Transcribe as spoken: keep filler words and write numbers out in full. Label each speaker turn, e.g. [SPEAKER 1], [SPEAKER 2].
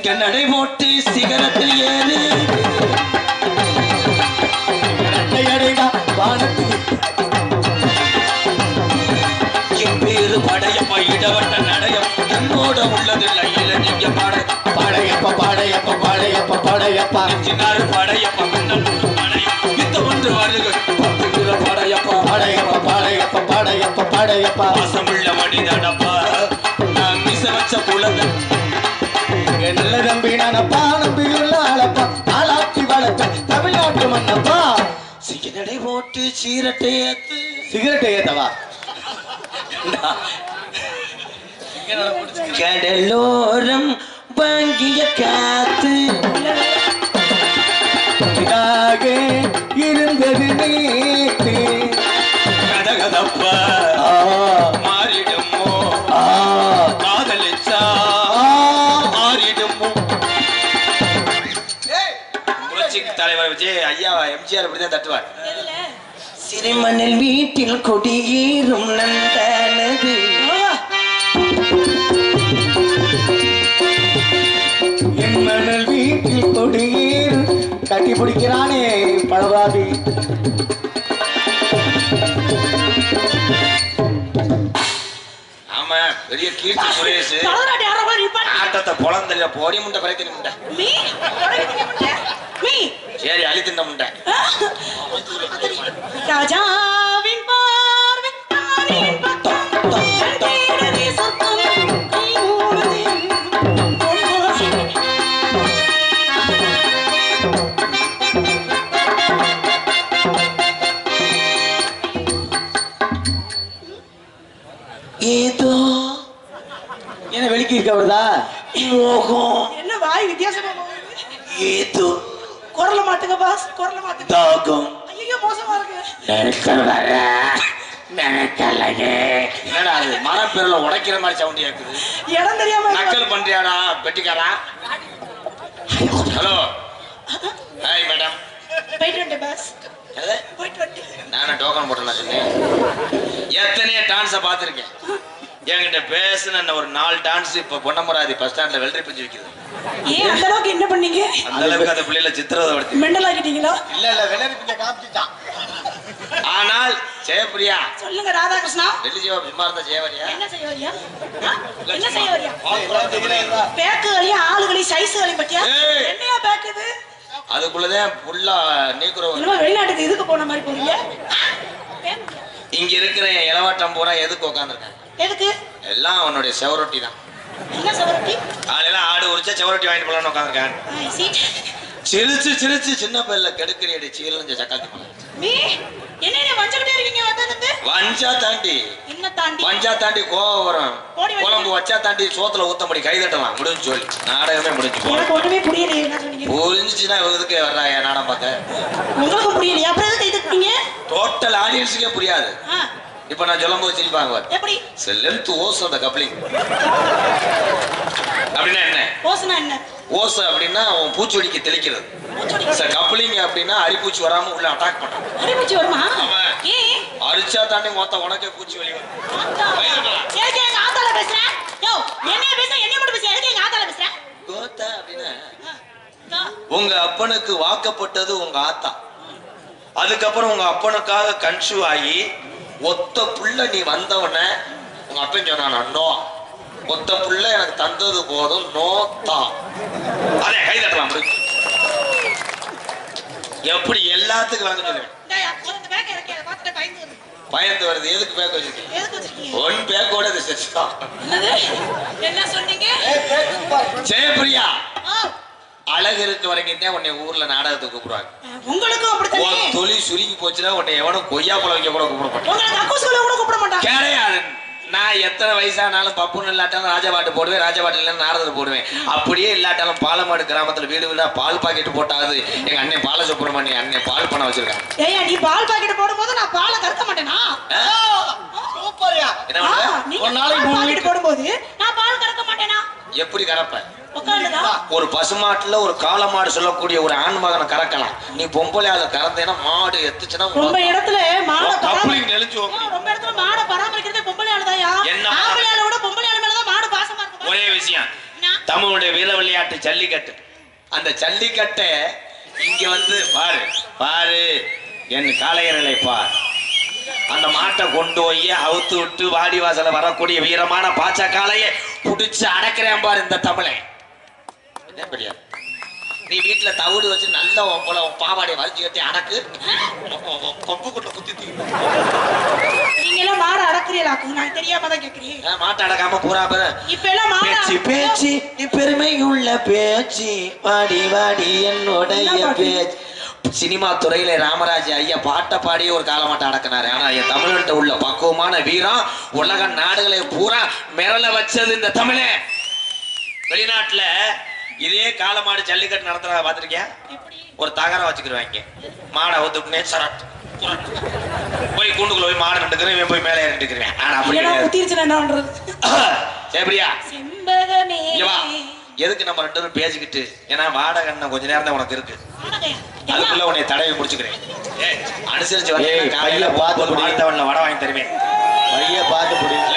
[SPEAKER 1] சிங்க நடை போட்டு சிகரத்தில் ஏறு என் பேரு படையப்பா இடவட்ட நடையம் தன்னோட உள்ளதில்லை இல்ல நீங்க பாட
[SPEAKER 2] படையப்பா படையப்பா படையப்பா படையப்பா
[SPEAKER 1] சின்னாரு படையப்பா படையம் இந்த ஒன்று வருக பத்து கிலோ படையப்பா
[SPEAKER 2] படையப்பா படையப்பா படையப்பா படையப்பா
[SPEAKER 1] வாசமுள்ள மனிதனப்பா நான் மிச வச்ச புலங்க
[SPEAKER 2] நல்ல நம்பி நானப்பா நம்பியுள்ள ஆளப்பா ஆளாக்கி வளர்த்த தமிழ்நாட்டு மன்னப்பா
[SPEAKER 1] சிங்க நடை போட்டு சீரட்டை ஏத்து
[SPEAKER 2] சிகரெட் ஏத்தவா
[SPEAKER 1] கடலோரம் வாங்கிய காத்து
[SPEAKER 2] இருந்தது நேத்து
[SPEAKER 1] கதகதப்பா மாறிடுமோ காதலிச்சா மாறிடுமோ புரட்சி தலைவர் விஜய் ஐயா எம்ஜிஆர் இப்படிதான் தட்டுவார் சிறுமணல் வீட்டில் கொடியேறும் நந்தனது
[SPEAKER 2] என் மணல் வீட்டில் கொடியேறும் கட்டி பிடிக்கிறானே பழவாதி
[SPEAKER 1] ஆமா பெரிய கீர்த்தி சுரேஷ் ஆட்டத்தை பொழந்தல்ல போடி முண்டை பறைத்தி முண்டை சரி அழி தின்ன முண்டை
[SPEAKER 3] ராஜாவின் பார்வை
[SPEAKER 1] ஏதோ
[SPEAKER 2] என்ன வெளிக்கு இருக்க வருதா
[SPEAKER 1] மோகம்
[SPEAKER 3] என்ன வாய் வித்தியாசமா
[SPEAKER 1] ஏதோ
[SPEAKER 3] குரல மாட்டுங்க பாஸ் குரல மாட்டுங்க
[SPEAKER 1] தாகம்
[SPEAKER 3] ஐயோ மோசமா இருக்கு
[SPEAKER 1] நினைக்க வர நினைக்கலையே என்னடா அது மரப்பெருல உடைக்கிற மாதிரி சவுண்ட் கேக்குது
[SPEAKER 3] இடம் தெரியாம
[SPEAKER 1] நக்கல் பண்றியாடா பெட்டிக்காரா ஹலோ ஹாய் மேடம்
[SPEAKER 3] போயிட்டு வந்துட்டேன் பாஸ் போயிட்டு வந்துட்டேன்
[SPEAKER 1] நானும் டோக்கன் போட்டேன் சொன்னேன் எத்தனையோ டான்ஸை பார்த்துருக்கேன் என்கிட்ட பேசுன ஒரு நாலு டான்ஸ் இப்ப பொன்னமராதி பஸ் ஸ்டாண்ட்ல வெள்ளரி பிஞ்சு வைக்குது
[SPEAKER 3] ஏன் அந்த அளவுக்கு என்ன பண்ணீங்க
[SPEAKER 1] அந்த அளவுக்கு அந்த பிள்ளைல சித்திரவதை
[SPEAKER 3] மெண்டல் ஆகிட்டீங்களா
[SPEAKER 2] இல்ல இல்ல வெள்ளரி பிஞ்ச காமிச்சிட்டான்
[SPEAKER 1] ஆனால் ஜெயபிரியா
[SPEAKER 3] சொல்லுங்க ராதாகிருஷ்ணா
[SPEAKER 1] டெல்லி ஜீவா சும்மா இருந்தா ஜெயவரியா
[SPEAKER 3] என்ன செய்ய வரியா என்ன செய்ய வரியா பேக்குகளையும் ஆளுகளையும் சைஸுகளையும் பத்தியா என்னையா பேக் இது
[SPEAKER 1] அதுக்குள்ளதான் ஃபுல்லா நீக்குறோம்
[SPEAKER 3] என்னமோ வெளிநாட்டுக்கு இதுக்கு போன மாதிரி போறீங்க
[SPEAKER 1] இங்க இருக்கிற இளவாட்டம் பூரா எதுக்கு உட்காந்துருக்காங்க
[SPEAKER 3] எதுக்கு
[SPEAKER 1] எல்லாம் அவனுடைய செவரொட்டி தான்
[SPEAKER 3] என்ன செவரொட்டி
[SPEAKER 1] காலையில ஆடு உரிச்சா செவரொட்டி வாங்கிட்டு போலான்னு உட்காந்துருக்காங்க சிரிச்சு சிரிச்சு சின்ன பையில கெடுக்கறியடி சீரழிஞ்ச சக்காத்தி போல
[SPEAKER 3] நீ என்ன வஞ்சிக்கிட்டே இருக்கீங்க வந்தது
[SPEAKER 1] வஞ்சா தாண்டி
[SPEAKER 3] என்ன தாண்டி
[SPEAKER 1] வஞ்சா தாண்டி கோவம் வரும் குழம்பு வச்சா தாண்டி சோத்துல ஊத்தம்படி கை தட்டலாம் முடிஞ்சு சொல்லி நாடகமே முடிஞ்சு
[SPEAKER 3] எனக்கு ஒண்ணுமே புரியலையே என்ன சொன்னீங்க
[SPEAKER 1] புரிஞ்சுச்சுன்னா எதுக்கு வர்றாங்க நாடகம் பார்க்க
[SPEAKER 3] உங்களுக்கு புரியலையா அப்புறம் எதுக்கு கை தட்டீங்க
[SPEAKER 1] டோட்டல் ஆடியன்ஸுக்கே புரியாது இப்ப நான் சொல்லும் போது சிரிப்பாங்க
[SPEAKER 3] எப்படி
[SPEAKER 1] லென்த் ஓஸ் அந்த கப்ளிங் அப்படின்னா என்ன
[SPEAKER 3] ஓஸ்னா என்ன
[SPEAKER 1] ஓஸ் அப்படின்னா அவன் பூச்சிவெடிக்கு தெளிக்கிறது சார் கப்ளிங் அப்படின்னா அரிப்பூச்சி வராம உள்ள அட்டாக் பண்றான்
[SPEAKER 3] அரிப்பூச்சி வருமா ஏன்
[SPEAKER 1] அரிச்சா தாண்டி மொத்த உனக்கே பூச்சி வெளியே வரும்
[SPEAKER 3] ஏங்க எங்க ஆத்தால பேசுறேன் யோ என்னைய பேச என்னைய மட்டும் பேச எதுக்கு எங்க ஆத்தால பேசுறேன்
[SPEAKER 1] கோத்தா அப்படின்னா உங்க அப்பனுக்கு வாக்கப்பட்டது உங்க ஆத்தா அதுக்கப்புறம் உங்க அப்பனுக்காக கன்சூவ் ஆகி ஒத்த புள்ள நீ வந்தவன உங்க அப்பன் சொன்னானா நோ ஒத்த புள்ள எனக்கு தந்தது போதும் நோ தான் அதே கை தட்டலாம் எப்படி எல்லாத்துக்கும் வாங்க சொல்லுவேன் பயந்து வருது எதுக்கு பேக் வச்சிருக்கீங்க ஒன் பேக்கோட
[SPEAKER 3] என்ன சொன்னீங்க
[SPEAKER 1] ஜெயபிரியா அழகு இருக்க வரைக்கும் உன்னை ஊர்ல நாடகத்துக்கு கூப்பிடுவாங்க
[SPEAKER 3] உங்களுக்கும் அப்படித்தான்
[SPEAKER 1] தொழில் சுருங்கி போச்சுன்னா உன்னை எவனும் கொய்யா பழம் வைக்க கூட கூப்பிட மாட்டான்
[SPEAKER 3] உங்களுக்கு அக்கூஸ்குல கூட கூப்பிட மாட்டான்
[SPEAKER 1] கிடையாது நான் எத்தனை வயசானாலும் பப்புன்னு இல்லாட்டாலும் ராஜபாட்டு போடுவேன் ராஜபாட்டு இல்லைன்னு நாரதத்தை போடுவேன் அப்படியே இல்லாட்டாலும் பாலமாடு கிராமத்துல வீடு வீடா பால் பாக்கெட் போட்டாது எங்க அண்ணன் பால சுப்பிரமணிய அண்ணன் பால் பண்ண வச்சிருக்காங்க
[SPEAKER 3] ஏய்யா நீ பால் பாக்கெட் போடும்போது நான் பாலை கறக்க மாட்டேனா
[SPEAKER 2] சூப்பர்யா
[SPEAKER 1] என்ன பண்ணுவ
[SPEAKER 3] ஒரு நாளைக்கு பாக்கெட் போடும்போது நான் பால் கறக்க மாட்டேனா
[SPEAKER 1] எப்படி கறப்ப
[SPEAKER 3] உட்கார்ந்துடா
[SPEAKER 1] ஒரு பசுமாட்டுல ஒரு காளை மாடு சொல்லக்கூடிய ஒரு ஆண் மகனை கறக்கலாம் நீ பொம்பளை அதை கறந்தேன்னா மாடு எத்துச்சுன்னா
[SPEAKER 3] ரொம்ப இடத்துல மாடை
[SPEAKER 1] கப்ளிங் நெளிஞ்சு
[SPEAKER 3] ரொம்ப இடத்துல மாடை பராமரிக்கிறதே பொம்பளை ஆளுதாயா ஆம்பளை ஆளை விட பொம்பளை ஆளு மேலதான் மாடு பாசமா இருக்கும்
[SPEAKER 1] ஒரே விஷயம் தமிழுடைய வீர விளையாட்டு ஜல்லிக்கட்டு. அந்த ஜல்லிக்கட்டை இங்க வந்து பாரு பாரு என் காளையர்களை பார். அந்த மாட்டை கொண்டு போய் அவுத்து விட்டு வாடி வாசல வரக்கூடிய வீரமான பாச்சா காளையை புடிச்சு அடக்கிறேன் பாரு இந்த தமிழை. நீ வீட்டுல தவிடு வச்சு நல்ல போல பாவாடை வரைச்சு கட்டி அடக்கு கொம்பு கொண்டு குத்தி
[SPEAKER 3] நீங்க எல்லாம் மாட அடக்குறீங்களாக்கு நான் தெரியாம தான் கேக்குறேன்.
[SPEAKER 1] மாட்டை அடக்காம பூரா பேரு
[SPEAKER 3] இப்ப எல்லாம் மாட
[SPEAKER 1] பேச்சு பேச்சு நீ பெருமையுள்ள பேச்சு வாடி வாடி என்னுடைய பேச்சு. சினிமா துறையில ராமராஜ் ஐயா பாட்டை பாடியே ஒரு காலமாட்ட அடக்கினாரு. ஆனா என் தமிழ்கிட்ட உள்ள பக்குவமான வீரம் உலக நாடுகளை பூரா மிரள வச்சது இந்த தமிழே. வெளிநாட்டுல இதே காலமாடு ஜல்லிக்கட்டு நடத்துறத பாத்திருக்கியா? ஒரு தகரம் வச்சுக்கிடுவாங்க, மாடை ஒத்துக்குனே சரட் போய் கூண்டுக்குள்ள போய் மாடு நட்டுக்கிறேன், இவன் போய் மேலே ஏறிட்டுக்கிறேன். ஆனா அப்படி சரியா எதுக்கு நம்ம ரெண்டு பேரும் பேசிக்கிட்டு? ஏன்னா வாடகை என்ன கொஞ்ச நேரம் தான் உனக்கு இருக்கு, அதுக்குள்ள உன்னை தடவை முடிச்சுக்கிறேன். ஏ அனுசரிச்சு கையில பார்த்து வடை வாங்கி தருவேன். பைய பார்த்து